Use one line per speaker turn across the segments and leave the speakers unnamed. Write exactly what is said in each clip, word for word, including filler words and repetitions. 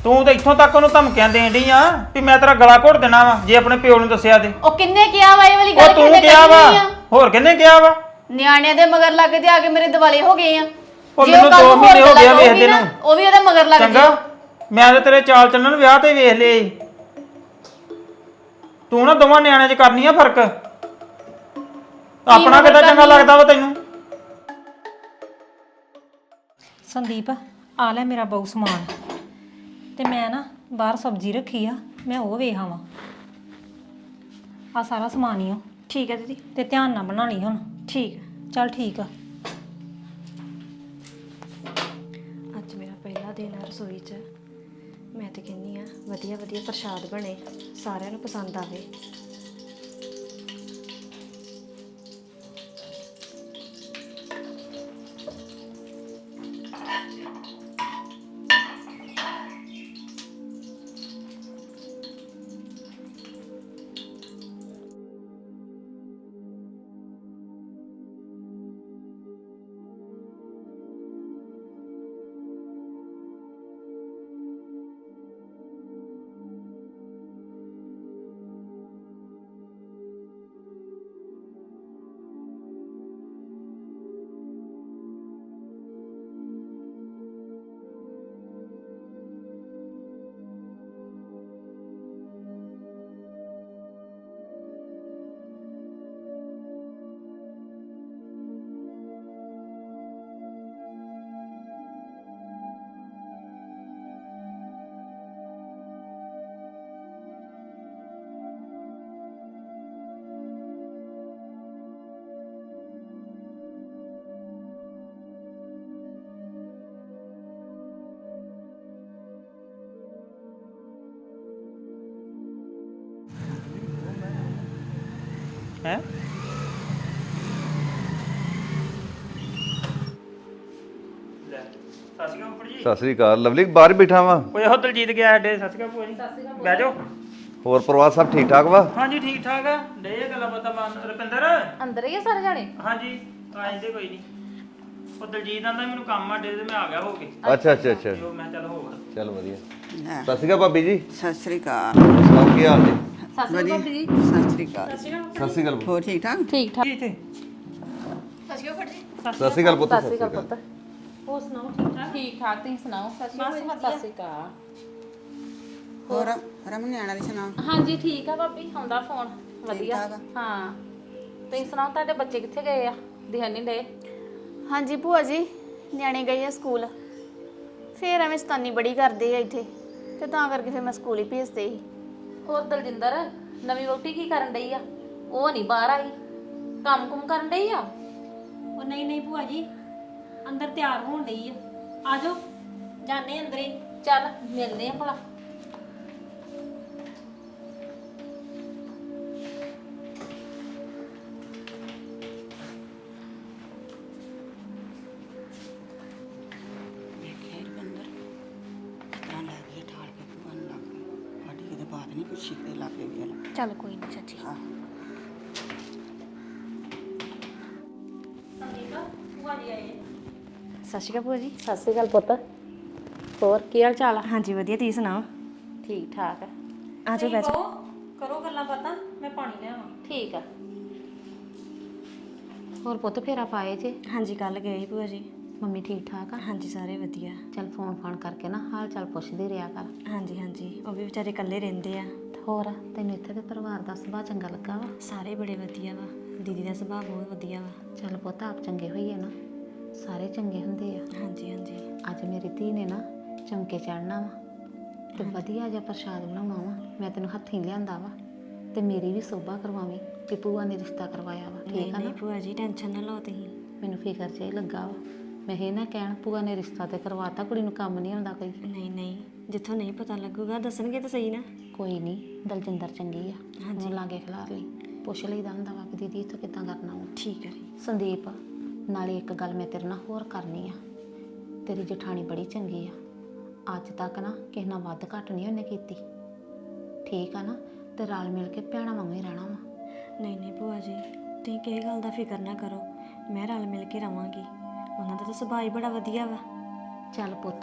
ਤੂੰ ਤਾਂ ਇੱਥੋਂ ਤੱਕ ਉਹਨੂੰ ਧਮਕੀਆਂ ਦੇਣ ਡਈ ਆ ਵੀ ਮੈਂ ਤੇਰਾ ਗਲਾ ਘੋਟ ਦੇਣਾ ਵਾ ਜੇ ਆਪਣੇ ਪਿਓ ਨੂੰ ਦੱਸਿਆ ਤੇ।
ਉਹ ਕਿੰਨੇ ਕਿਹਾ ਵਾ ਇਹ ਵਾਲੀ
ਉਹ
ਗੱਲ?
ਤੂੰ ਕਿਹਾ ਵਾ, ਹੋਰ ਕਿੰਨੇ ਕਿਹਾ ਵਾ?
ਨਿਆਣਿਆਂ ਦੇ ਮਗਰ ਲੱਗ ਤੇ ਆ ਕੇ ਮੇਰੇ ਦਿਵਾਲੇ ਹੋ ਗਏ ਆ।
ਉਹ ਮੈਨੂੰ ਦੋ ਮਹੀਨੇ ਹੋ ਗਏ ਵੇਖਦੇ ਨੂੰ।
ਉਹ ਵੀ ਉਹਦੇ ਮਗਰ ਲੱਗ
ਚੰਗਾ, ਮੈਂ ਤਾਂ ਤੇਰੇ ਚਾਲ ਚੱਲਣ ਵਿਆਹ ਤੇ ਵੇਖ ਲਏ। ਤੂੰ ਨਾ ਦੋਵਾਂ ਨਿਆਣਿਆਂ 'ਚ ਕਰਨੀ ਆ ਫਰਕ। ਆਪਣਾ ਕਿੱਦਾਂ ਚੰਗਾ ਲੱਗਦਾ ਵਾ ਤੈਨੂੰ?
ਸੰਦੀਪ ਆ ਲੈ ਮੇਰਾ ਬਹੁ ਸਮਾਨ ਤੇ ਮੈਂ ਨਾ ਬਾਹਰ ਸਬਜ਼ੀ ਰੱਖੀ ਆ, ਮੈਂ ਉਹ ਵੇਖ ਆਵਾਂ। ਆ ਸਾਰਾ ਸਮਾਨ ਹੀ ਆ।
ਠੀਕ ਹੈ ਦੀਦੀ।
ਤੇ ਧਿਆਨ ਨਾਲ ਬਣਾ ਲਈ ਹੁਣ।
ਠੀਕ
ਚੱਲ ਠੀਕ ਆ।
ਅੱਜ ਮੇਰਾ ਪਹਿਲਾ ਦਿਨ ਹੈ ਰਸੋਈ 'ਚ। ਮੈਂ ਤੇ ਕਹਿੰਦੀ ਆ ਵਧੀਆ ਵਧੀਆ ਪ੍ਰਸ਼ਾਦ ਬਣੇ, ਸਾਰਿਆਂ ਨੂੰ ਪਸੰਦ ਆਵੇ।
ਹੈ ਸਤਿ ਸ਼੍ਰੀ ਅਕਾਲ ਉੱਪਰ ਜੀ।
ਸਤਿ ਸ੍ਰੀ ਅਕਾਲ। ਲਵਲੀ ਬਾਹਰ ਹੀ ਬੈਠਾ ਵਾ।
ਓਏ ਉਹ ਦਲਜੀਤ ਗਿਆ ਸਾਡੇ। ਸਤਿ ਸ਼੍ਰੀ ਅਕਾਲ ਭੂਆ ਜੀ। ਬਹਿ ਜਾਓ।
ਹੋਰ ਪਰਿਵਾਰ ਸਭ ਠੀਕ ਠਾਕ ਵਾ?
ਹਾਂਜੀ ਠੀਕ ਠਾਕ ਆ। ਡੇ ਗੱਲਾਂ ਬਾਤਾਂ ਮਾਨ ਰੁਪਿੰਦਰ।
ਅੰਦਰ ਹੀ ਆ ਸਾਰੇ ਜਾਣੇ?
ਹਾਂਜੀ ਆ ਜਾਂਦੇ ਕੋਈ ਨਹੀਂ। ਉਹ ਦਲਜੀਤ ਆਂਦਾ ਮੈਨੂੰ ਕੰਮ ਆ ਡੇ ਤੇ ਮੈਂ ਆ ਗਿਆ ਹੋ ਕੇ।
ਅੱਛਾ ਅੱਛਾ ਅੱਛਾ
ਜੋ ਮੈਂ ਚੱਲ ਹੋਵਾਂ।
ਚੱਲ ਵਧੀਆ। ਸਤਿ ਸ੍ਰੀ ਅਕਾਲ ਭਾਬੀ ਜੀ।
ਸਤਿ ਸ੍ਰੀ ਅਕਾਲ।
ਸੁਣਾਓ ਕੀ ਹਾਲ ਨੇ?
ਵਧੀਆ ਸਤਿ ਸ੍ਰੀ ਅਕਾਲ।
ਸਤਿ ਸ੍ਰੀ ਅਕਾਲ।
ਹੋਰ ਠੀਕ ਠਾਕ?
ਠੀਕ ਠਾਕ।
ਇੱਥੇ
ਸਤਿ ਸ੍ਰੀ ਅਕਾਲ ਪੁੱਤ।
ਸਤਿ ਸ਼੍ਰੀ ਅਕਾਲ ਪੁੱਤ।
ਹੋਰ ਸੁਣਾਓ ਠੀਕ ਠਾਕ?
ਠੀਕ ਠਾਕ, ਤੁਸੀਂ ਸੁਣਾਓ? ਸਤਿ ਸ਼੍ਰੀ ਅਕਾਲ।
ਹੋਰ ਰਮਨ ਨਿਆਣਾ ਦੀ ਸੁਣਾ?
ਹਾਂਜੀ ਠੀਕ ਆ ਭਾਬੀ, ਆਉਂਦਾ ਫੋਨ ਵਧੀਆ।
ਠਾਕ ਆ?
ਹਾਂ ਤੁਸੀਂ ਸੁਣਾਓ, ਤੁਹਾਡੇ ਬੱਚੇ ਕਿੱਥੇ ਗਏ ਆ? ਦਿਖਣ ਨਹੀਂ ਡਏ।
ਹਾਂਜੀ ਭੂਆ ਜੀ, ਨਿਆਣੇ ਗਏ ਆ ਸਕੂਲ। ਫੇਰ ਐਵੇਂ ਸ਼ਤਾਨੀ ਬੜੀ ਕਰਦੇ ਆ ਇੱਥੇ, ਤੇ ਤਾਂ ਕਰਕੇ ਫਿਰ ਮੈਂ ਸਕੂਲ ਹੀ ਭੇਜਦੇ ਸੀ।
ਹੋਰ ਦਲਜਿੰਦਰ ਨਵੀਂ ਵਹੁਟੀ ਕੀ ਕਰਨ ਡਈ ਆ? ਉਹ ਨਹੀਂ ਬਾਹਰ ਆਈ, ਕੰਮ ਕੁਮ ਕਰਨ ਡਈ ਆ?
ਉਹ ਨਹੀਂ ਨਹੀਂ ਭੂਆ ਜੀ, ਅੰਦਰ ਤਿਆਰ ਹੋਣ ਡਈ ਆ। ਆ ਜਾਓ ਜਾਣੇ ਅੰਦਰੇ।
ਚੱਲ ਮਿਲਦੇ ਆ ਭਲਾ।
ਵੇਖਿਆ ਰਵਿੰਦਰ ਕਿਤਨਾ ਲੱਗ ਗਿਆ ਠਾਲ ਕੇ ਭੂਆ ਨੂੰ ਲੱਗ ਸਾਡੀ ਕਿਤੇ ਬਾਤ ਨਹੀਂ ਪੁੱਛੀ ਤੇ ਲੱਗ ਗਈ ਨਾ।
ਚੱਲ ਕੋਈ ਨਹੀਂ ਚਾਚੀ।
ਹਾਂ
ਸਤਿ ਸ਼੍ਰੀ ਅਕਾਲ ਭੂਆ ਜੀ।
ਸਤਿ ਸ਼੍ਰੀ ਅਕਾਲ ਪੁੱਤ। ਹੋਰ ਕੀ ਹਾਲ ਚਾਲ ਆ?
ਹਾਂਜੀ ਵਧੀਆ, ਤੁਸੀਂ ਸੁਣਾਓ?
ਠੀਕ ਠਾਕ ਆ।
ਆ ਜਾਓ ਬੈਠੋ।
ਕਰੋ ਗੱਲਾਂ ਬਾਤਾਂ, ਮੈਂ ਪਾਣੀ ਲਿਆਵਾਂ।
ਠੀਕ ਆ। ਹੋਰ ਪੁੱਤ ਫੇਰਾ ਪਾਏ ਜੇ?
ਹਾਂਜੀ ਕੱਲ ਗਏ ਸੀ ਭੂਆ ਜੀ।
ਮੰਮੀ ਠੀਕ ਠਾਕ ਆ?
ਹਾਂਜੀ ਸਾਰੇ ਵਧੀਆ।
ਚੱਲ ਫੋਨ ਫਾਨ ਕਰਕੇ ਨਾ ਹਾਲ ਚਾਲ ਪੁੱਛਦੇ ਰਿਹਾ ਕਰ।
ਹਾਂਜੀ ਹਾਂਜੀ, ਉਹ ਵੀ ਵਿਚਾਰੇ ਇਕੱਲੇ ਰਹਿੰਦੇ ਆ।
ਹੋਰ ਤੈਨੂੰ ਇੱਥੇ ਦੇ ਪਰਿਵਾਰ ਦਾ ਸੁਭਾਅ ਚੰਗਾ ਲੱਗਾ ਵਾ?
ਸਾਰੇ ਬੜੇ ਵਧੀਆ ਵਾ। ਦੀਦੀ ਦਾ ਸੁਭਾਅ ਬਹੁਤ ਵਧੀਆ ਵਾ।
ਚੱਲ ਪੁੱਤ ਆਪ ਚੰਗੇ ਹੋਈਏ ਨਾ, ਸਾਰੇ ਚੰਗੇ ਹੁੰਦੇ ਆ।
ਹਾਂਜੀ ਹਾਂਜੀ।
ਅੱਜ ਮੇਰੀ ਧੀ ਨੇ ਨਾ ਚੌਂਕੇ ਚੜ੍ਹਨਾ ਵਾ ਤੇ ਵਧੀਆ ਜਿਹਾ ਪ੍ਰਸ਼ਾਦ ਬਣਾਉਣਾ ਵਾ। ਮੈਂ ਤੈਨੂੰ ਹੱਥੀਂ ਲਿਆਂਦਾ ਵਾ ਤੇ ਮੇਰੀ ਵੀ ਸੋਭਾ ਕਰਵਾਵੀਂ ਕਿ ਭੂਆ ਨੇ ਰਿਸ਼ਤਾ ਕਰਵਾਇਆ ਵਾ।
ਨਹੀਂ
ਠੀਕ ਆ
ਨਹੀਂ
ਨਾ?
ਭੂਆ ਜੀ ਟੈਨਸ਼ਨ ਨਾ ਲਓ ਤੁਸੀਂ।
ਮੈਨੂੰ ਫਿਕਰ ਜਿਹਾ ਹੀ ਲੱਗਾ ਵਾ। ਮੈਂ ਇਹ ਨਾ ਕਹਿਣ ਭੂਆ ਨੇ ਰਿਸ਼ਤਾ ਤੇ ਕਰਵਾਤਾ, ਕੁੜੀ ਨੂੰ ਕੰਮ ਨਹੀਂ ਆਉਂਦਾ ਕੋਈ।
ਨਹੀਂ ਨਹੀਂ, ਜਿੱਥੋਂ ਨਹੀਂ ਪਤਾ ਲੱਗੂਗਾ ਦੱਸਣਗੇ ਤਾਂ ਸਹੀ ਨਾ।
ਕੋਈ ਨਹੀਂ, ਦਲਜਿੰਦਰ ਚੰਗੀ ਆ। ਹਾਂਜੀ ਲਾਗੇ ਖਿਲਾਰ ਲਈ, ਪੁੱਛ ਲਈਦਾ ਹੁੰਦਾ ਵਾ ਵੀ ਦੀਦੀ ਇੱਥੋਂ ਕਿੱਦਾਂ ਕਰਨਾ ਵਾ।
ਠੀਕ ਹੈ ਜੀ।
ਸੰਦੀਪ ਨਾਲੇ ਇੱਕ ਗੱਲ ਮੈਂ ਤੇਰੇ ਨਾਲ ਹੋਰ ਕਰਨੀ ਆ। ਤੇਰੀ ਜਠਾਣੀ ਬੜੀ ਚੰਗੀ ਆ। ਅੱਜ ਤੱਕ ਨਾ ਕਿਸੇ ਨਾਲ ਵੱਧ ਘੱਟ ਨਹੀਂ ਉਹਨੇ ਕੀਤੀ। ਠੀਕ ਆ ਨਾ? ਤੇ ਰਲ ਮਿਲ ਕੇ ਭੈਣਾਂ ਵਾਂਗੂ ਹੀ ਰਹਿਣਾ ਵਾ।
ਨਹੀਂ ਨਹੀਂ ਭੂਆ ਜੀ, ਤੁਸੀਂ ਕਿਸੇ ਗੱਲ ਦਾ ਫਿਕਰ ਨਾ ਕਰੋ। ਮੈਂ ਰਲ ਮਿਲ ਕੇ ਰਵਾਂਗੀ। ਉਹਨਾਂ ਦਾ ਤਾਂ ਸੁਭਾਅ ਹੀ ਬੜਾ ਵਧੀਆ ਵਾ।
ਚੱਲ ਪੁੱਤ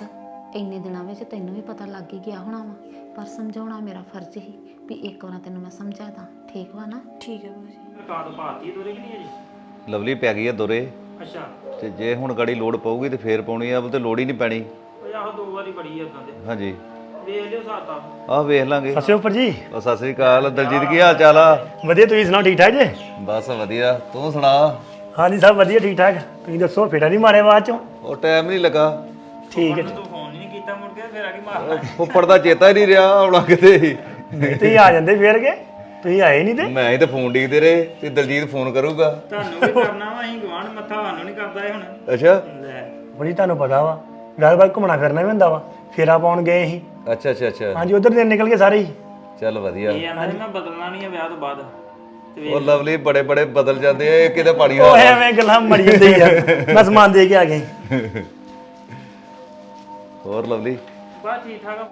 ਇੰਨੇ ਦਿਨਾਂ ਵਿੱਚ ਤੈਨੂੰ ਵੀ ਪਤਾ ਲੱਗ ਹੀ ਗਿਆ ਹੋਣਾ ਵਾ, ਪਰ ਸਮਝਾਉਣਾ ਮੇਰਾ ਫਰਜ਼ ਹੀ ਵੀ ਇੱਕ ਵਾਰ ਤੈਨੂੰ ਮੈਂ ਸਮਝਾ ਦਾਂ, ਠੀਕ ਵਾ ਨਾ?
ਠੀਕ ਹੈ ਭੂਆ ਜੀ।
ਰਿਕਾਰਡ ਪਾਤੀ ਦੋਰੇ ਕਿ ਨਹੀਂ ਅਜੇ?
ਲਵਲੀ ਪੈ ਗਈ ਆ ਦੋਰੇ,
ਅੱਛਾ।
ਤੇ ਜੇ ਹੁਣ ਗਾੜੀ ਲੋੜ ਪਊਗੀ ਤੇ ਫੇਰ ਪਾਉਣੀ ਆ, ਉਹ ਤੇ ਲੋੜ ਹੀ ਨਹੀਂ ਪੈਣੀ।
ਉਹ ਆਹੋ ਦੋ ਵਾਰੀ ਬੜੀ ਆ ਉਦਾਂ ਦੇ।
ਹਾਂਜੀ
ਵੇਖ ਲਿਓ ਸਾਤਾ।
ਆਹ ਵੇਖ ਲਾਂਗੇ।
ਸਤਿ ਸ਼੍ਰੀ ਅਕਾਲ ਜੀ।
ਉਹ ਸਤਿ ਸ੍ਰੀ ਅਕਾਲ ਦਲਜੀਤ, ਕੀ ਹਾਲ ਚਾਲ ਆ?
ਵਧੀਆ, ਤੁਸੀਂ ਸੁਣਾਓ ਠੀਕ ਠਾਕ ਜੇ?
ਬਸ ਵਧੀਆ, ਤੂੰ ਸੁਣਾ?
ਹਾਂਜੀ ਸਭ ਵਧੀਆ ਠੀਕ ਠਾਕ। ਤੁਸੀਂ ਦੱਸੋ ਫੇਰਾ ਨਹੀਂ ਮਾਰਿਆ ਬਾਅਦ ਚੋਂ?
ਉਹ ਟਾਈਮ ਨਹੀਂ ਲੱਗਾ,
ਠੀਕ ਹੈ।
ਤੂੰ ਫੋਨ ਨਹੀਂ ਕੀਤਾ ਮੁੜ ਕੇ, ਫਿਰ ਆ ਕੇ ਮਾਰਨਾ।
ਫੁੱਫੜ ਦਾ ਚੇਤਾ ਹੀ ਨਹੀਂ ਰਿਹਾ ਆਉਣਾ ਕਿਤੇ।
ਨਹੀਂ ਤੁਸੀਂ ਆ ਜਾਂਦੇ ਫੇਰ ਕੇ, ਤੁਸੀਂ ਆਏ ਨਹੀਂ ਤੇ।
ਮੈਂ ਹੀ ਤਾਂ ਫੋਨ ਡੀਕਦੇ ਰਹੇ ਤੇ ਦਲਜੀਤ ਫੋਨ ਕਰੂਗਾ।
ਤੁਹਾਨੂੰ ਵੀ ਕਰਨਾ ਵਾ, ਅਸੀਂ ਗਵਾਂਢ ਮੱਥਾ ਸਾਨੂੰ ਨਹੀਂ ਕਰਦਾ ਇਹ ਹੁਣ।
ਅੱਛਾ
ਲੈ
ਬੜੀ ਤੁਹਾਨੂੰ ਪਤਾ ਵਾ ਗੱਲ ਬਾਤ ਘੁੰਮਣਾ ਫਿਰਨਾ ਵੀ ਹੁੰਦਾ ਵਾ, ਫੇਰਾ ਪਾਉਣ ਗਏ ਸੀ।
ਅੱਛਾ ਅੱਛਾ ਅੱਛਾ,
ਹਾਂਜੀ ਉਧਰ ਦਿਨ ਨਿਕਲ ਗਏ ਸਾਰੇ ਹੀ।
ਚੱਲ ਵਧੀਆ।
ਇਹ ਆਂਦਾ ਮੈਂ ਬਦਲਣਾ ਨਹੀਂ ਆ ਵਿਆਹ ਤੋਂ ਬਾਅਦ। ਤੇ
ਉਹ ਲਵਲੀ ਬੜੇ ਬੜੇ ਬਦਲ ਜਾਂਦੇ ਆ, ਇਹ ਕਿਤੇ ਪਾਣੀ
ਉਹ
ਹਾਲ ਆ।
ਐਵੇਂ ਗੱਲਾਂ ਮੜੀ ਜਾਂਦੇ ਯਾਰ, ਮੈਂ ਸਮਾਨ ਦੇ ਕੇ ਆ ਗਏ।
ਹੋਰ ਲਵਲੀ?
ਬਸ ਠੀਕ ਠਾਕ ਆ।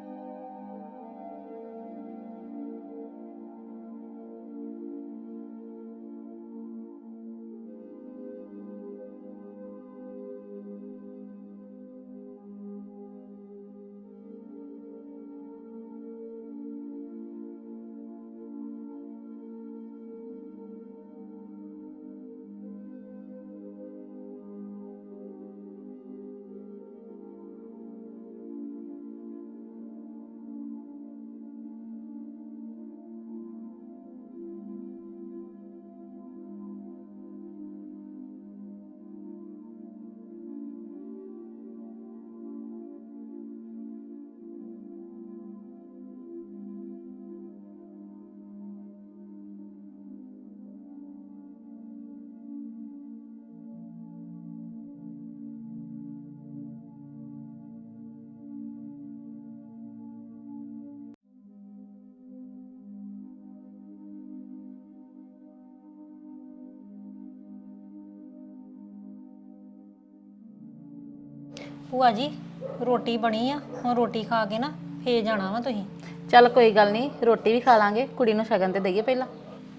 ਭੂਆ ਜੀ ਰੋਟੀ ਬਣੀ ਆ, ਹੁਣ ਰੋਟੀ ਖਾ ਕੇ ਨਾ ਫੇਰ ਜਾਣਾ ਵਾ ਤੁਸੀਂ।
ਚੱਲ ਕੋਈ ਗੱਲ ਨਹੀਂ, ਰੋਟੀ ਵੀ ਖਾ ਲਾਂਗੇ, ਕੁੜੀ ਨੂੰ ਸ਼ਗਨ ਤੇ ਦਈਏ ਪਹਿਲਾਂ।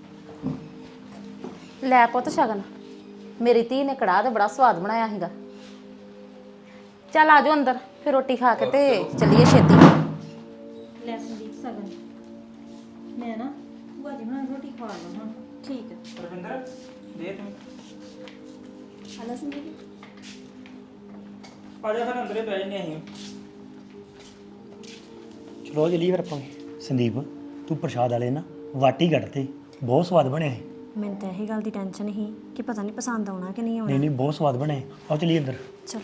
ਲੈ ਪੁੱਤ ਸ਼ਗਨ, ਮੇਰੀ ਧੀ ਨੇ ਕੜਾਹ ਤੇ ਬੜਾ ਸਵਾਦ ਬਣਾਇਆ ਸੀਗਾ। ਚੱਲ ਆ ਜਾਓ ਅੰਦਰ, ਫਿਰ ਰੋਟੀ ਖਾ ਕੇ ਤੇ ਚੱਲੀਏ ਛੇਤੀ।
ਲੈ ਸੰਦੀਪ ਸਗਨ, ਮੈਂ ਨਾ ਭੂਆ ਜੀ ਨਾਲ ਰੋਟੀ ਖਾ ਲਾਂ ਹੁਣ।
ਠੀਕ ਹੈ।
ਰਵਿੰਦਰ ਦੇ ਤੂੰ
ਹਲਾ ਸੰਦੀਪ।
ਆ ਜਾ ਫਿਰ ਅੰਦਰੇ ਬਹਿ ਜੰਨੇ ਅਸੀਂ।
ਚਲੋ ਜਲੀ ਫਿਰ ਆਪਾਂ। ਸੰਦੀਪ ਤੂੰ ਪ੍ਰਸ਼ਾਦ ਵਾਲੇ ਨਾ ਵਾਟੀ ਕੱਢਤੇ, ਬਹੁਤ ਸਵਾਦ ਬਣੇ ਸੀ।
ਮੈਨੂੰ ਤਾਂ ਇਹੀ ਗੱਲ ਦੀ ਟੈਨਸ਼ਨ ਸੀ ਕਿ ਪਤਾ ਨਹੀਂ ਪਸੰਦ ਆਉਣਾ ਕਿ ਨਹੀਂ ਆਉਣਾ।
ਨਹੀਂ ਨਹੀਂ ਬਹੁਤ ਸਵਾਦ ਬਣੇ। ਆਓ ਚਲੀਏ ਅੰਦਰ।
ਚਲੋ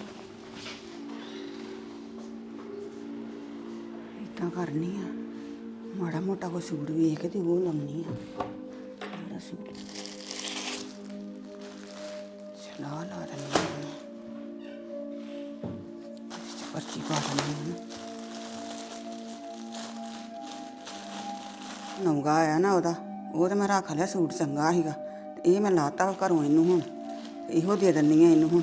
ਇਦਾਂ ਕਰਨੀ ਆ, ਮਾੜਾ ਮੋਟਾ ਕੋਈ ਸੂਟ ਵੇਖ ਕੇ ਤੇ ਉਹ ਲਾਉਣੀ ਆ। ਜਿਹੜਾ ਸੂਟ ਚਲਾ ਲਾ ਦੇਣੀ ਆ ਮੈਂ। ਇਸ 'ਚ ਪਰਚੀ ਪਾ ਦੇਣੀ ਆ। ਨੌਗਾ ਆਇਆ ਨਾ ਉਹਦਾ, ਉਹ ਤਾਂ ਮੈਂ ਰੱਖ ਲਿਆ, ਸੂਟ ਚੰਗਾ ਸੀਗਾ ਤੇ ਇਹ ਮੈਂ ਲਾਤਾ ਘਰੋਂ ਇਹਨੂੰ। ਹੁਣ ਇਹੋ ਦੇ ਦਿੰਨੀ ਆ ਇਹਨੂੰ। ਹੁਣ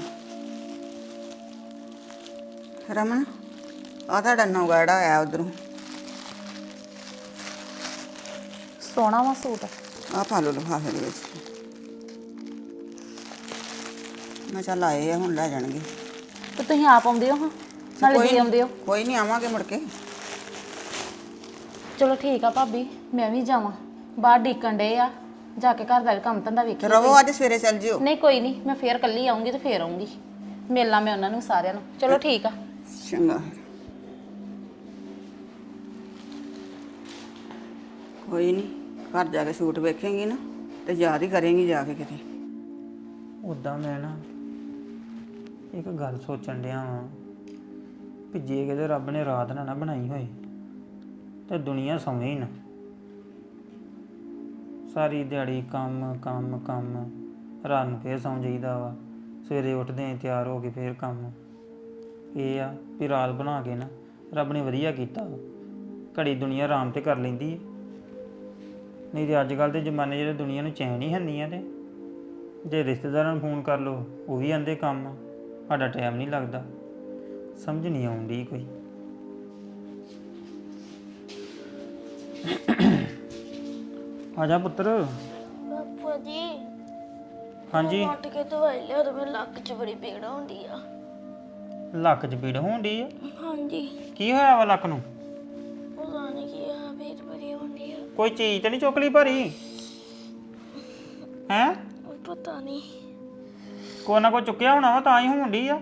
ਰਮਨ ਆ ਤੁਹਾਡਾ ਨੌਗਾ ਜਿਹੜਾ ਆਇਆ ਉਧਰੋਂ,
ਸੋਹਣਾ ਵਾ ਸੂਟ।
ਆ ਪਾ ਲਓ ਲਿਫਾਫੇ ਦੇ ਵਿੱਚ। ਮੈਂ ਚੱਲ ਆਏ ਆ, ਹੁਣ ਲੈ ਜਾਣਗੇ।
ਤੇ ਤੁਸੀਂ ਆਪ ਆਉਂਦੇ ਹੋ ਹਾਂ, ਨਾਲੇ ਦੇ ਆਉਂਦੇ ਹੋ।
ਕੋਈ ਨਹੀਂ, ਆਵਾਂਗੇ ਮੁੜ ਕੇ।
ਚਲੋ ਠੀਕ ਆ ਭਾਬੀ, ਮੈਂ ਵੀ ਜਾਵਾਂ, ਬਾਹਰ ਡੀਕਣ ਡੇ ਆ, ਜਾ ਕੇ ਘਰ ਦਾ ਵੀ ਕੰਮ ਧੰਦਾ ਵੇਖੀ।
ਰਵੋ ਅੱਜ ਸਵੇਰੇ ਚੱਲ ਜਿਓ।
ਨਹੀਂ ਕੋਈ ਨਹੀਂ, ਮੈਂ ਫੇਰ ਕੱਲੀ ਆਉਂਗੀ ਤੇ ਫੇਰ ਆਉਂਗੀ, ਮਿਲਣਾ ਮੈਂ ਉਹਨਾਂ ਨੂੰ ਸਾਰਿਆਂ ਨੂੰ। ਚਲੋ ਠੀਕ ਆ।
ਚੰਗਾ। ਕੋਈ ਨਹੀਂ, ਘਰ ਜਾ ਕੇ ਸੂਟ ਵੇਖੇਂਗੀ ਨਾ ਤੇ ਯਾਦ ਹੀ ਕਰੇਂਗੀ ਜਾ ਕੇ ਕਿਤੇ।
ਉਦਾਂ ਮੈਂ ਨਾ ਇੱਕ ਗੱਲ ਸੋਚਣ ਡਿਆ ਵਾਂ ਕਿ ਜੇ ਕਿਤੇ ਰੱਬ ਨੇ ਰਾਤ ਨਾ ਨਾ ਬਣਾਈ ਹੋਏ ਤੇ ਦੁਨੀਆ ਸੌਵੇਂ ਹੀ ਨਾ। ਸਾਰੀ ਦਿਹਾੜੀ ਕੰਮ ਕੰਮ ਕੰਮ, ਰਾਤ ਨੂੰ ਫੇਰ ਸੌਂ ਜਾਈਦਾ ਵਾ, ਸਵੇਰੇ ਉੱਠਦੇ ਆਂ ਤਿਆਰ ਹੋ ਕੇ ਫੇਰ ਕੰਮ। ਇਹ ਆ ਵੀ ਰਾਤ ਬਣਾ ਕੇ ਨਾ ਰੱਬ ਨੇ ਵਧੀਆ ਕੀਤਾ, ਘੜੀ ਦੁਨੀਆ ਆਰਾਮ ਤੇ ਕਰ ਲੈਂਦੀ ਹੈ। ਨਹੀਂ ਤੇ ਅੱਜ ਕੱਲ੍ਹ ਦੇ ਜ਼ਮਾਨੇ ਜਿਹੜੇ ਦੁਨੀਆ ਨੂੰ ਚੈਨ ਹੀ ਹੈਨੀ ਆ। ਤੇ ਜੇ ਰਿਸ਼ਤੇਦਾਰਾਂ ਨੂੰ ਫੋਨ ਕਰ ਲਓ ਉਹ ਵੀ ਆਂਦੇ ਕੰਮ, ਸਾਡਾ ਟਾਈਮ ਨਹੀਂ ਲੱਗਦਾ। ਸਮਝ ਨਹੀਂ ਆਉਂਦੀ ਕੋਈ। ਆ ਜਾ ਪੁੱਤਰ।
ਪਾਪਾ ਜੀ
ਹਾਂਜੀ
ਉੱਠ ਕੇ ਦਵਾਈ ਲਿਆ, ਤਾਂ ਮੇਰੇ ਲੱਕ 'ਚ ਬੜੀ ਪੀੜ ਹੁੰਦੀ ਆ।
ਲੱਕ 'ਚ ਪੀੜ ਹੋਣ ਡਈ ਆ?
ਹਾਂਜੀ
ਕੀ ਹੋਇਆ ਵਾ ਲੱਕ ਨੂੰ?
ਪਤਾ ਨਹੀਂ ਕੀ ਆ ਪੀੜ ਬੜੀ ਹੁੰਦੀ ਆ
ਕੋਈ ਚੀਜ਼ ਤੇ ਨਹੀਂ ਚੁੱਕ ਲਈ ਭਾਰੀ ਹੈ?
ਪਤਾ ਨਹੀਂ
ਕੋਈ ਨਾ ਕੋਈ ਚੁੱਕਿਆ ਹੋਣਾ ਵਾ ਤਾਂ ਹੀ ਹੋਣ ਡਈ ਆ।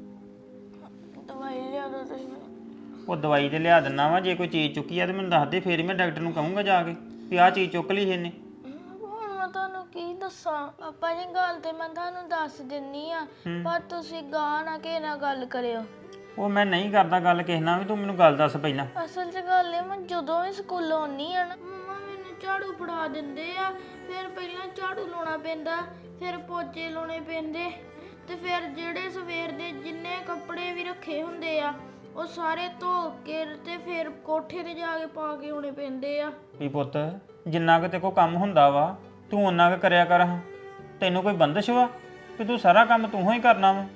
ਦਵਾਈ ਲਿਆ ਦੋ ਤੁਸੀਂ ਮੈਨੂੰ।
ਉਹ ਦਵਾਈ ਤੇ ਲਿਆ ਦਿੰਨਾ ਵਾ। ਜੇ ਕੋਈ ਚੀਜ਼ ਚੁੱਕੀ ਆ ਤੇ ਮੈਨੂੰ ਦੱਸ ਦੇ, ਫੇਰ ਹੀ ਮੈਂ ਡਾਕਟਰ ਨੂੰ ਕਹੂੰਗਾ ਜਾ ਕੇ ਵੀ ਆਹ ਚੀਜ਼ ਚੁੱਕ ਲਈ ਇਹਨੇ।
ਹੁਣ ਮੈਂ ਤੁਹਾਨੂੰ ਕੀ ਦੱਸਾਂ ਪਾਪਾ ਜੀ, ਗੱਲ ਤੇ ਮੈਂ ਤੁਹਾਨੂੰ ਦੱਸ ਦਿੰਨੀ ਆ ਪਰ ਤੁਸੀਂ ਗਾਹ ਨਾ ਕਿਸੇ ਨਾਲ ਗੱਲ ਕਰਿਓ।
ਉਹ ਮੈਂ ਨਹੀਂ ਕਰਦਾ ਗੱਲ ਕਿਸੇ ਨਾਲ ਵੀ, ਤੂੰ ਮੈਨੂੰ ਗੱਲ ਦੱਸ ਪਹਿਲਾਂ।
ਅਸਲ 'ਚ ਗੱਲ ਇਹ, ਮੈਂ ਜਦੋਂ ਵੀ ਸਕੂਲੋਂ ਆਉਣੀ ਆ ਨਾ ਮੰਮਾ ਮੈਨੂੰ ਝਾੜੂ ਫੜਾ ਦਿੰਦੇ ਆ। ਫਿਰ ਪਹਿਲਾਂ ਝਾੜੂ ਲਾਉਣਾ ਪੈਂਦਾ, ਫਿਰ ਪੋਚੇ ਲਾਉਣੇ ਪੈਂਦੇ, ਤੇ ਫਿਰ ਜਿਹੜੇ ਸਵੇਰ ਦੇ ਜਿੰਨੇ ਕੱਪੜੇ ਵੀ ਰੱਖੇ ਹੁੰਦੇ ਆ ਉਹ ਸਾਰੇ ਧੋ ਕੇ ਤੇ ਫਿਰ ਕੋਠੇ ਤੇ ਜਾ ਕੇ ਪਾ ਕੇ ਆਉਣੇ ਪੈਂਦੇ ਆ।
ਵੀ ਪੁੱਤ ਜਿੰਨਾ ਕੁ ਤੇ ਕੋ ਕੰਮ ਹੁੰਦਾ ਵਾ ਤੂੰ ਓਨਾ ਕੁ ਕਰਿਆ ਕਰ। ਹਾਂ ਤੈਨੂੰ ਕੋਈ ਬੰਦਸ਼ ਵਾ ਕਿ ਤੂੰ ਸਾਰਾ ਕੰਮ ਤੂੰ ਹੀ ਕਰਨਾ ਵਾ?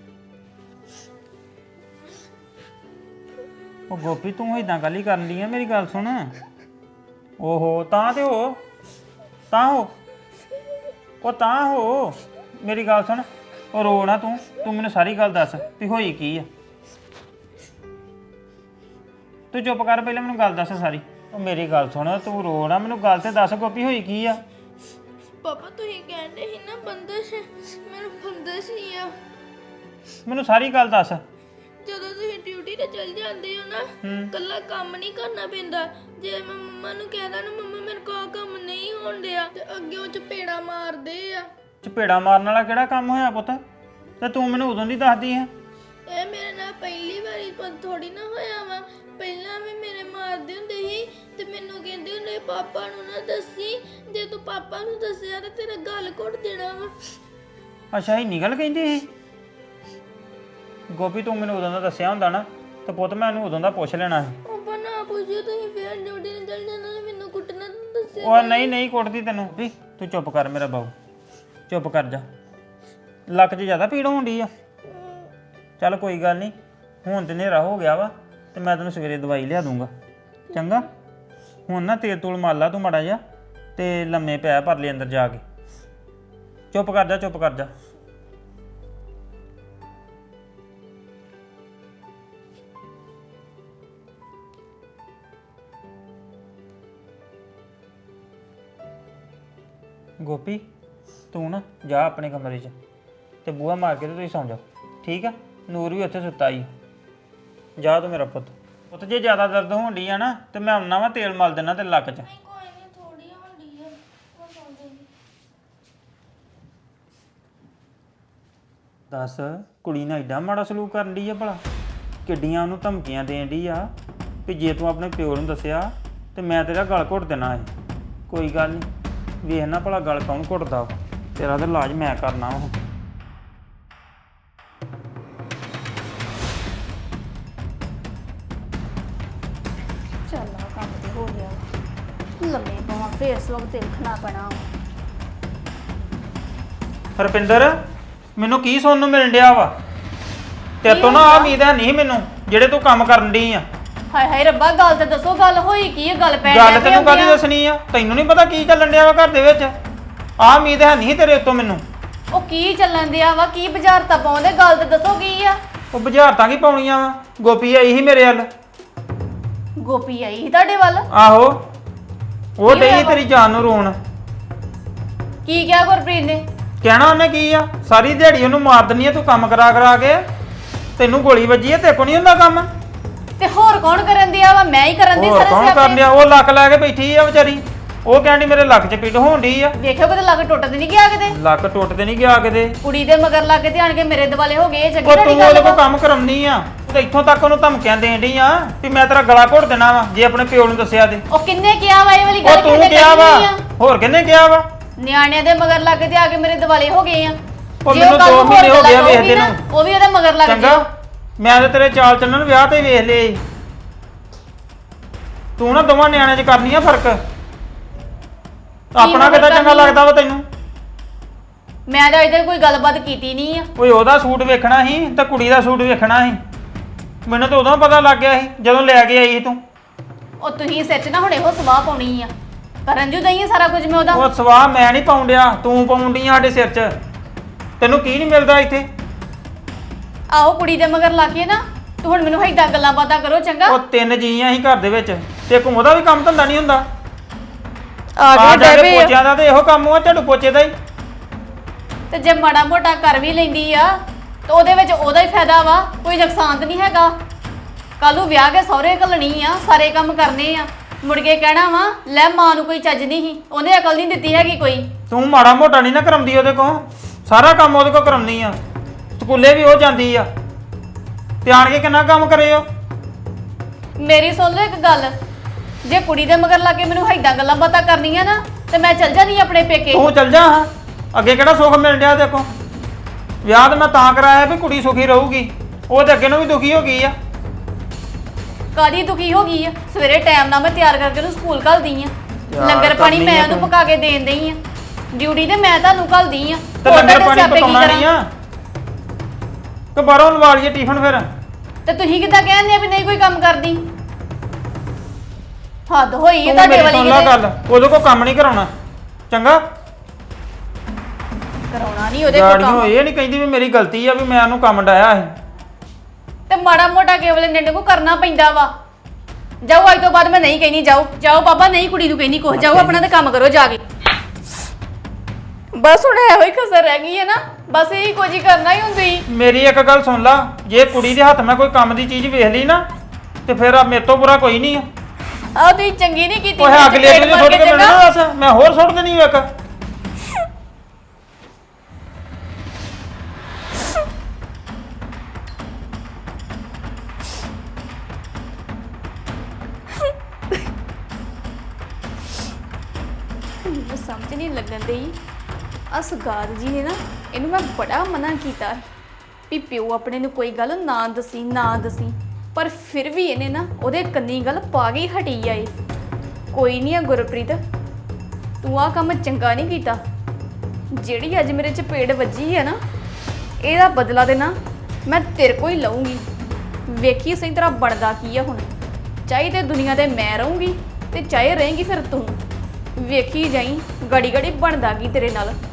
ਉਹ ਗੋਪੀ ਤੂੰ ਇਦਾਂ ਗੱਲ ਹੀ ਕਰਨ ਦੀ ਆ? ਮੇਰੀ ਗੱਲ ਸੁਣ। ਓਹੋ ਤਾਂ ਤੇ ਹੋ ਤਾਂ ਹੋ ਉਹ ਤਾਂ ਹੋ ਮੇਰੀ ਗੱਲ ਸੁਣ। ਉਹ ਰੋ ਨਾ ਤੂੰ ਤੂੰ ਮੈਨੂੰ ਸਾਰੀ ਗੱਲ ਦੱਸ ਵੀ ਹੋਈ ਕੀ ਆ। ਤੂੰ ਚੁੱਪ ਕਰ, ਪਹਿਲਾਂ ਮੈਨੂੰ ਗੱਲ ਦੱਸ ਸਾਰੀ। ਉਹ ਮੇਰੀ ਗੱਲ ਸੁਣ, ਤੂੰ ਰੋ ਨਾ, ਮੈਨੂੰ ਗੱਲ ਤੇ ਦੱਸ ਗੋਪੀ ਹੋਈ ਕੀ ਆ।
ਪਾਪਾ ਤੁਸੀਂ ਕਹਿੰਦੇ ਸੀ ਨਾ ਬੰਦਸ਼, ਮੈਨੂੰ ਬੰਦਸ਼ ਹੀ ਆ।
ਮੈਨੂੰ ਸਾਰੀ ਗੱਲ ਦੱਸ।
ਜਦੋਂ ਤੁਸੀਂ ਡਿਊਟੀ ਤੇ ਚਲ ਜਾਂਦੇ ਹੋ ਨਾ, ਕੱਲਾ ਕੰਮ ਨਹੀਂ ਕਰਨਾ ਪੈਂਦਾ। ਜੇ ਮੈਂ ਮੰਮਾ ਨੂੰ ਕਹਿਦਾ ਨਾ ਮੰਮਾ ਮੇਰੇ ਕੋਲ ਕੰਮ ਨਹੀਂ ਹੋਣ ਡਿਆ, ਤੇ ਅੱਗੇ ਉਹ ਚਪੇੜਾ ਮਾਰਦੇ ਆ।
ਚਪੇੜਾ ਮਾਰਨ ਵਾਲਾ ਕਿਹੜਾ ਕੰਮ ਹੋਇਆ ਪੁੱਤ? ਤੇ ਤੂੰ ਮੈਨੂੰ ਉਦੋਂ ਦੀ ਦੱਸਦੀ ਹੈ।
ਇਹ ਮੇਰੇ ਨਾਲ ਪਹਿਲੀ ਵਾਰੀ ਪਰ ਥੋੜੀ ਨਾ ਹੋਇਆ ਵਾ। ਪਹਿਲਾਂ ਵੀ ਮੇਰੇ ਮਾਰਦੇ ਹੁੰਦੇ ਸੀ ਤੇ ਮੈਨੂੰ ਕਹਿੰਦੇ ਹੁੰਦੇ ਪਾਪਾ ਨੂੰ ਨਾ ਦੱਸੀ, ਜੇ ਤੂੰ ਪਾਪਾ ਨੂੰ ਦੱਸਿਆ ਤਾਂ ਤੇਰਾ ਗਲ ਘੁੱਟ ਦੇਣਾ ਵਾ।
ਅੱਛਾ ਇਹ ਨਿਕਲ ਕਹਿੰਦੀ ਸੀ। ਗੋਪੀ ਤੂੰ ਮੈਨੂੰ ਉਦੋਂ ਦਾ ਦੱਸਿਆ ਹੁੰਦਾ ਨਾ ਤੇ ਪੁੱਤ ਮੈਂ ਉਹਨੂੰ ਉਦੋਂ ਦਾ ਪੁੱਛ ਲੈਣਾ ਸੀ।
ਪਾਪਾ ਨਾ ਪੁੱਛਿਓ, ਤੁਸੀਂ ਫੇਰ ਡਿਊਟੀ ਨੂੰ ਚਲ ਜਾਣਾ ਤੇ ਮੈਨੂੰ ਕੁੱਟਣਾ ਤਾਂ ਦੱਸਿਆ।
ਉਹ ਨਹੀਂ ਨਹੀਂ ਕੁੱਟਦੀ ਤੈਨੂੰ ਵੀ। ਤੂੰ ਚੁੱਪ ਕਰ ਮੇਰਾ ਬਾਊ, ਚੁੱਪ ਕਰ ਜਾ। ਲੱਕ 'ਚ ਜ਼ਿਆਦਾ ਪੀੜ ਹੋਣ ਡਈ ਆ? ਚੱਲ ਕੋਈ ਗੱਲ ਨਹੀਂ, ਹੁਣ ਤੇ ਹਨੇਰਾ ਹੋ ਗਿਆ ਵਾ ਤੇ ਮੈਂ ਤੈਨੂੰ ਸਵੇਰੇ ਦਵਾਈ ਲਿਆ ਦੂੰਗਾ, ਚੰਗਾ? ਹੁਣ ਨਾ ਤੇਲ ਤੂਲ ਮਾਰ ਲਾ ਤੂੰ ਮਾੜਾ ਜਿਹਾ ਤੇ ਲੰਮੇ ਪੈ ਪਰਲੇ ਅੰਦਰ ਜਾ ਕੇ। ਚੁੱਪ ਕਰ ਜਾ, ਚੁੱਪ ਕਰ ਜਾ। ਗੋਪੀ ਤੂੰ ਨਾ ਜਾ ਆਪਣੇ ਕਮਰੇ 'ਚ ਤੇ ਬੂਹਾ ਮਾਰ ਕੇ ਤੇ ਤੁਸੀਂ ਸੌਂ ਜਾਓ, ਠੀਕ ਆ? ਨੂਰ ਵੀ ਉੱਥੇ ਸੁੱਤਾ ਹੀ। ਜਾ ਤੂੰ ਮੇਰਾ ਪੁੱਤ। ਪੁੱਤ ਜੇ ਜ਼ਿਆਦਾ ਦਰਦ ਹੋਣ ਡਈ ਆ ਨਾ ਤੇ ਮੈਂ ਆਉਣਾ ਵਾ, ਤੇਲ ਮਲ ਦੇਣਾ ਤੇ ਲੱਕ 'ਚ।
ਕੋਈ ਨਹੀਂ, ਥੋੜੀ ਹੁੰਦੀ ਆ, ਉਹ ਸੌਂ ਜਾਏਗੀ।
ਦੱਸ ਕੁੜੀ ਨਾਲ ਐਡਾ ਮਾੜਾ ਸਲੂਕ ਕਰਨ ਡਈ ਆ ਭਲਾ? ਕਿੱਡੀਆਂ ਉਹਨੂੰ ਧਮਕੀਆਂ ਦੇਣ ਡਈ ਆ ਵੀ ਜੇ ਤੂੰ ਆਪਣੇ ਪਿਓ ਨੂੰ ਦੱਸਿਆ ਤੇ ਮੈਂ ਤੇਰਾ ਗਲ ਘੁੱਟ ਦੇਣਾ ਹੈ। ਕੋਈ ਗੱਲ ਨਹੀਂ, ਵੇਖਣਾ ਭਲਾ ਗਲ ਕੌਣ ਘੁੱਟਦਾ ਵਾ। ਤੇਰਾ ਤਾਂ ਇਲਾਜ ਮੈਂ ਕਰਨਾ ਵਾ।
ਚੱਲ ਆ ਕੰਮ ਤੇ ਹੋ ਗਿਆ ਲੰਮੇ ਪਵਾਂ, ਫੇਰ ਇਸ ਵਕਤ ਦੇਖਣਾ ਪੈਣਾ।
ਹਰਪਿੰਦਰ ਮੈਨੂੰ ਕੀ ਸੁਣਨ ਨੂੰ ਮਿਲਣ ਡਿਆ ਵਾ? ਤੇਰੇ ਤੋਂ ਨਾ ਆ ਉਮੀਦ ਹੈ ਨਹੀਂ ਮੈਨੂੰ ਜਿਹੜੇ ਤੂੰ ਕੰਮ ਕਰਨ ਡਈ ਆ।
ਹਾਏ ਹਾਏ ਰੱਬਾ, ਗੱਲ ਤੇ ਦੱਸੋ, ਗੱਲ ਹੋਈ ਕੀ ਹੈ? ਗੱਲ ਪੈ
ਗੱਲ ਤੈਨੂੰ ਕਾਹਦੀ ਦੱਸਣੀ ਆ? ਤੈਨੂੰ ਨਹੀਂ ਪਤਾ ਕੀ ਚੱਲਣ ਡਿਆ ਵਾ ਘਰ ਦੇ ਵਿੱਚ? ਆ ਉਮੀਦ ਹੈ ਨਹੀਂ ਤੇਰੇ ਉੱਤੋਂ ਮੈਨੂੰ।
ਉਹ ਕੀ ਚੱਲਣ ਦਿਆ ਵਾ? ਕੀ ਬੁਝਾਰਤਾਂ ਪਾਉਂਦੇ? ਗੱਲ ਤੇ ਦੱਸੋ ਕੀ ਆ?
ਉਹ ਬੁਝਾਰਤਾਂ ਕੀ ਪਾਉਣੀਆਂ ਵਾ? ਗੋਪੀ ਆਈ ਸੀ ਮੇਰੇ ਵੱਲ।
ਗੋਪੀ ਆਈ ਸੀ ਤੁਹਾਡੇ ਵੱਲ?
ਆਹੋ, ਉਹ ਡਈ ਤੇਰੀ ਜਾਨ ਨੂੰ ਰੋਣ।
ਕੀ ਕਿਹਾ ਗੁਰਪ੍ਰੀਤ ਨੇ?
ਕਹਿਣਾ ਉਹਨੇ ਕੀ ਆ? ਸਾਰੀ ਦਿਹਾੜੀ ਉਹਨੂੰ ਮਾਰ ਦਿੰਨੀ ਆ ਤੂੰ ਕੰਮ ਕਰਾ ਕਰਾ ਕੇ। ਤੈਨੂੰ ਗੋਲੀ ਵੱਜੀ ਆ, ਤੇ ਕੋ ਨਹੀਂ ਹੁੰਦਾ ਕੰਮ?
ਤੇ ਹੋਰ ਕੌਣ ਕਰਨ ਦਿਆ ਵਾ? ਮੈਂ ਹੀ ਕਰਨ ਦੀ
ਹੋਰ
ਸਾਰੇ
ਕੌਣ
ਸਿਆਪੇ।
ਕਰਨ ਡਿਆ? ਉਹ ਲੱਕ ਲੈ ਕੇ ਬੈਠੀ ਆ ਵਿਚਾਰੀ। ਉਹ ਕਹਿੰਦੀ ਮੇਰੇ ਲੱਕ 'ਚ ਪੀੜ ਹੋਣ ਡਈ ਆ।
ਦੇਖਿਓ ਕਿਤੇ ਲੱਗ ਟੁੱਟ ਤੇ ਨਹੀਂ ਗਿਆ ਕਿਤੇ?
ਲੱਕ ਟੁੱਟ ਤੇ ਨਹੀਂ ਗਿਆ ਕਿਤੇ।
ਕੁੜੀ ਦੇ ਮਗਰ ਲੱਗ ਕੇ ਧਿਆਨ ਕੇ ਮੇਰੇ ਦਿਵਾਲੇ ਹੋ ਗਏ। ਇਹ ਚੰਗੀ
ਉਹ
ਤੁਹਾਡੀ
ਤੂੰ
ਗੱਲ
ਉਹਦੇ ਕੋਲ
ਵਾ?
ਕੰਮ ਕਰਾਉਣੀ ਆ ਤੇ ਇੱਥੋਂ ਤੱਕ ਉਹਨੂੰ ਧਮਕੀਆਂ ਦੇਣ ਡਈ ਆ ਵੀ ਮੈਂ ਤੇਰਾ ਗਲਾ ਘੋਟ ਦੇਣਾ ਵਾ ਜੇ ਆਪਣੇ ਪਿਓ ਨੂੰ ਦੱਸਿਆ ਤੇ।
ਉਹ ਕਿੰਨੇ ਕਿਹਾ ਵਾ? ਇਹ ਵਾਲੀ
ਉਹ
ਗੱਲ
ਤੂੰ
ਕਿਹਨੇ
ਕਿਹਾ ਵਾ?
ਕਹੀ ਆ?
ਹੋਰ ਕਿਹਨੇ ਕਿਹਾ ਵਾ?
ਨਿਆਣਿਆਂ ਦੇ ਮਗਰ ਲੱਗ ਕੇ ਆ ਕੇ ਮੇਰੇ ਦਿਵਾਲੇ ਹੋ ਗਏ ਆ।
ਉਹ
ਜੇ
ਮੈਨੂੰ
ਕੱਲ੍ਹ
ਦੋ
ਨੂੰ
ਮਹੀਨੇ ਹੋ
ਹੋਰ
ਗਏ
ਗੱਲਾਂ
ਵੇਖਦੇ
ਕਹੂਗੀ
ਨੂੰ।
ਨਾ, ਉਹ ਵੀ ਉਹਦੇ ਮਗਰ ਲੱਗ
ਚੰਗਾ,
ਜਾਓ।
ਮੈਂ ਤੇ ਤੇਰੇ ਚਾਲ ਚੱਲਣ ਨੂੰ ਵਿਆਹ ਤੇ ਵੇਖ ਲਏ। ਤੂੰ ਨਾ ਦੋਵਾਂ ਨਿਆਣਿਆਂ 'ਚ ਕਰਨੀ ਆ ਫਰਕ। ਆਪਣਾ
ਫਰਕ
ਕਿੱਦਾਂ ਚੰਗਾ
ਕਰਨੀ ਆ?
ਲੱਗਦਾ ਵਾ ਤੈਨੂੰ?
ਮੈਂ ਤਾਂ ਅਜੇ ਤੱਕ ਕੋਈ ਗੱਲਬਾਤ ਕੀਤੀ ਨਹੀਂ ਆ।
ਓਏ ਉਹਦਾ ਸੂਟ ਵੇਖਣਾ ਸੀ ਤੇ ਕੁੜੀ ਦਾ ਸੂਟ ਵੇਖਣਾ ਸੀ। ਮੈਨੂੰ ਤਾਂ ਉਦੋਂ ਪਤਾ ਲੱਗ ਗਿਆ ਸੀ ਜਦੋਂ ਲੈ ਕੇ ਆਈ ਸੀ ਤੂੰ।
ਉਹ ਤੁਸੀਂ ਸਿਰ 'ਚ ਨਾ ਹੁਣ ਇਹੋ ਸਵਾਹ ਪਾਉਣੀ ਆ। ਕਰਨ ਜੂ ਦਈ ਸਾਰਾ ਕੁਝ ਮੈਂ ਉਹਦਾ।
ਉਹ ਸਵਾਹ ਮੈਂ ਨਹੀਂ ਪਾਉਣ ਡਿਆ, ਤੂੰ ਪਾਉਣ ਡਈ ਆ ਸਾਡੇ ਸਿਰ 'ਚ। ਤੈਨੂੰ ਕੀ ਨਹੀਂ ਮਿਲਦਾ ਇੱਥੇ?
ਆਹੋ ਕੁੜੀ ਦੇ ਮਗਰ ਲਾ ਕੇ ਨਾ ਤੂੰ ਹੁਣ ਮੈਨੂੰ ਏਦਾਂ ਗੱਲਾਂ ਬਾਤਾਂ ਕਰੋ ਚੰਗਾ।
ਉਹ ਤਿੰਨ ਜੀਆਂ ਹੀ ਘਰ ਦੇ ਵਿੱਚ ਤੇ ਇੱਕ ਉਹਦਾ ਵੀ ਕੰਮ ਧੰਦਾ ਨਹੀਂ ਹੁੰਦਾ।
ਆ
ਆ
ਗਏ
ਜਾ ਕੇ
ਡੈਬੇ
ਪੋਚਿਆਂ ਦਾ ਤੇ ਇਹੋ ਕੰਮ ਆ, ਝਾੜੂ ਪੋਚੇ ਦਾ ਹੀ।
ਤੇ ਜੇ ਮਾੜਾ ਮੋਟਾ ਕਰ ਵੀ ਲੈਂਦੀ ਆ ਤੇ ਉਹਦੇ ਵਿੱਚ ਉਹਦਾ ਹੀ ਫਾਇਦਾ ਵਾ, ਕੋਈ ਨੁਕਸਾਨ ਤਾਂ ਨਹੀਂ ਹੈਗਾ। ਕੱਲ ਨੂੰ ਵਿਆਹ ਕੇ ਸਹੁਰੇ ਘੱਲਣੀ ਆ, ਸਾਰੇ ਕੰਮ ਕਰਨੇ ਆ, ਮੁੜ ਕੇ ਕਹਿਣਾ ਵਾ ਲੈ ਮਾਂ ਨੂੰ ਕੋਈ ਚੱਜ ਨਹੀਂ ਸੀ, ਉਹਨੇ ਅਕਲ ਨਹੀਂ ਦਿੱਤੀ ਹੈਗੀ ਕੋਈ।
ਤੂੰ ਮਾੜਾ ਮੋਟਾ ਨਹੀਂ ਨਾ ਕਰਾਉਂਦੀ ਉਹਦੇ ਕੋਲ, ਸਾਰਾ ਕੰਮ ਉਹਦੇ ਕੋਲ ਕਰਾਉਣੀ ਆ। ਸਕੂਲੇ ਵੀ ਉਹ ਜਾਂਦੀ ਆ ਤੇ ਆਣ ਕੇ ਕਿੰਨਾ ਕੰਮ ਕਰੇ ਉਹ।
ਮੇਰੀ ਸੁਣ ਲਓ ਇੱਕ ਗੱਲ, ਜੇ ਕੁੜੀ ਦੇ ਮਗਰ ਲਾ ਕੇ ਮੈਨੂੰ ਏਦਾਂ ਗੱਲਾਂ ਬਾਤਾਂ ਕਰਨੀਆਂ ਨਾ ਤੇ ਮੈਂ ਚੱਲ ਜਾਣੀ ਆਪਣੇ ਪੇਕੇ।
ਤੂੰ ਚੱਲ ਜਾ ਹਾਂ, ਅੱਗੇ ਕਿਹੜਾ ਸੁੱਖ ਮਿਲ ਡਿਆ ਦੇਖੋ। ਵਿਆਹ ਤਾਂ ਮੈਂ ਤਾਂ ਕਰਾਇਆ ਵੀ ਕੁੜੀ ਸੁਖੀ ਰਹੂਗੀ, ਉਹ ਤੇ ਅੱਗੇ ਨੂੰ ਵੀ ਦੁਖੀ ਹੋ ਗਈ ਆ।
ਕਾਦੀ ਦੁਖੀ ਹੋ ਗਈ ਆ? ਸਵੇਰੇ ਟਾਈਮ ਨਾਲ ਮੈਂ ਤਿਆਰ ਕਰਕੇ ਉਹਨੂੰ ਸਕੂਲ ਘੱਲਦੀ ਆ,
ਤਿਆਰ
ਲੰਗਰ ਪਾਣੀ
ਕਰਨੀ
ਮੈਂ
ਆ
ਉਹਨੂੰ
ਤੂੰ।
ਪਕਾ ਕੇ ਦੇਣ ਦਈ ਆ, ਡਿਊਟੀ ਤੇ ਮੈਂ ਤੁਹਾਨੂੰ ਘੱਲਦੀ ਆ।
ਤੇ
ਹੋਰ
ਲੰਗਰ
ਤੁਹਾਡੇ
ਪਾਣੀ
ਸਿਆਪੇ ਕੀ
ਪਕਾਉਣਾ
ਕਰਾਂ?
ਨਹੀਂ ਆ ਕਿ ਬਾਹਰੋਂ ਲਵਾ ਲਈਏ ਟਿਫਨ ਫਿਰ।
ਤੇ ਤੁਸੀਂ ਕਿੱਦਾਂ ਕਹਿੰਦੇ ਆ ਵੀ ਨਹੀਂ ਕੋਈ ਕੰਮ ਕਰਦੀ? ਹੱਦ ਹੋਈ ਹੈ
ਤੂੰ
ਤੁਹਾਡੇ
ਮੇਰੀ
ਵਾਲੀ
ਸੁਣ ਲਾ
ਕਿਤੇ।
ਗੱਲ, ਉਹਦੇ ਕੋਲ ਕੰਮ ਨਹੀਂ ਕਰਾਉਣਾ ਚੰਗਾ।
ਕਰਾਉਣਾ ਨਹੀਂ ਉਹਦੇ ਕੋਲ
ਗਾੜੀਆਂ
ਕੰਮ,
ਇਹ ਨਹੀਂ ਕਹਿੰਦੀ ਵੀ ਮੇਰੀ ਗਲਤੀ ਆ ਵੀ ਮੈਂ ਉਹਨੂੰ ਕੰਮ ਡਾਇਆ ਸੀ।
ਤੇ ਮਾੜਾ ਮੋਟਾ ਕੇਵਲ ਨਿੰਡੇ ਕੋ ਕਰਨਾ ਪੈਂਦਾ ਵਾ। ਜਾਓ ਅੱਜ ਤੋਂ ਬਾਅਦ ਮੈਂ ਨਹੀਂ ਕਹਿਣੀ, ਜਾਓ ਜਾਓ ਬਾਬਾ, ਨਹੀਂ ਕੁੜੀ ਨੂੰ ਕਹਿਣੀ ਕੁਛ, ਜਾਓ ਆਪਣਾ ਤੇ ਕੰਮ ਕਰੋ ਜਾ ਕੇ। ਬਸ ਹੁਣ ਇਹੋ ਹੀ ਕਸਰ ਰਹਿ ਗਈ ਹੈ ਨਾ, ਬਸ ਇਹੀ ਕੁਝ ਹੀ ਕਰਨਾ ਹੀ ਹੁੰਦੀ।
ਮੇਰੀ ਇੱਕ ਗੱਲ ਸੁਣ ਲਾ, ਜੇ ਕੁੜੀ ਦੇ ਹੱਥ ਮੈਂ ਕੋਈ ਕੰਮ ਦੀ ਚੀਜ਼ ਵੇਖ ਲਈ ਨਾ ਤੇ ਫਿਰ ਆ ਮੇਰੇ ਤੋਂ ਬੁਰਾ ਕੋਈ ਨਹੀਂ ਆ।
ਆਹ ਤੁਸੀਂ ਚੰਗੀ ਨਹੀਂ ਕੀਤੀ।
ਉਹ
ਮੇਰੇ
ਅਗਲੇ
ਚਪੇੜ
ਅਗਲੇ
ਮਾਰ
ਸੁੱਟ
ਕੇ
ਕੇ
ਚੰਗਾ।
ਮਿਲਣਾ ਦੱਸ, ਮੈਂ ਹੋਰ ਸੁੱਟ ਦੇਣੀ ਇੱਕ।
ਮੈਨੂੰ ਸਮਝ ਨਹੀਂ ਲੱਗਣ ਡਈ, ਆ ਸੁਗਾਤ ਜੀ ਨੇ ਨਾ ਇਹਨੂੰ ਮੈਂ ਬੜਾ ਮਨਾ ਕੀਤਾ ਵੀ ਪਿਓ ਆਪਣੇ ਨੂੰ ਕੋਈ ਗੱਲ ਨਾ ਦਸੀ ਨਾ ਦਸੀ, ਪਰ ਫਿਰ ਵੀ ਇਹਨੇ ਨਾ ਉਹਦੇ ਕੰਨੀ ਗੱਲ ਪਾ ਗਈ ਹਟੀ ਆਏ। ਕੋਈ ਨਹੀਂ ਆ ਗੁਰਪ੍ਰੀਤ, ਤੂੰ ਆ ਕੰਮ ਚੰਗਾ ਨਹੀਂ ਕੀਤਾ। ਜਿਹੜੀ ਅੱਜ ਮੇਰੇ ਚਪੇੜ ਵੱਜੀ ਹੈ ਨਾ, ਇਹਦਾ ਬਦਲਾ ਦੇਣਾ ਮੈਂ ਤੇਰੇ ਕੋਲ ਹੀ ਲਊਂਗੀ। ਵੇਖੀ ਸਹੀ ਤਰ੍ਹਾਂ ਬਣਦਾ ਕੀ ਆ ਹੁਣ। ਚਾਹੇ ਤੇ ਦੁਨੀਆ ਤੇ ਮੈਂ ਰਹੂੰਗੀ ਤੇ ਚਾਹੇ ਰਹੇਂਗੀ ਫਿਰ ਤੂੰ। ਵੇਖੀ ਜਾਈ ਗੜੀ ਗੜੀ ਬਣਦਾ ਕੀ ਤੇਰੇ ਨਾਲ।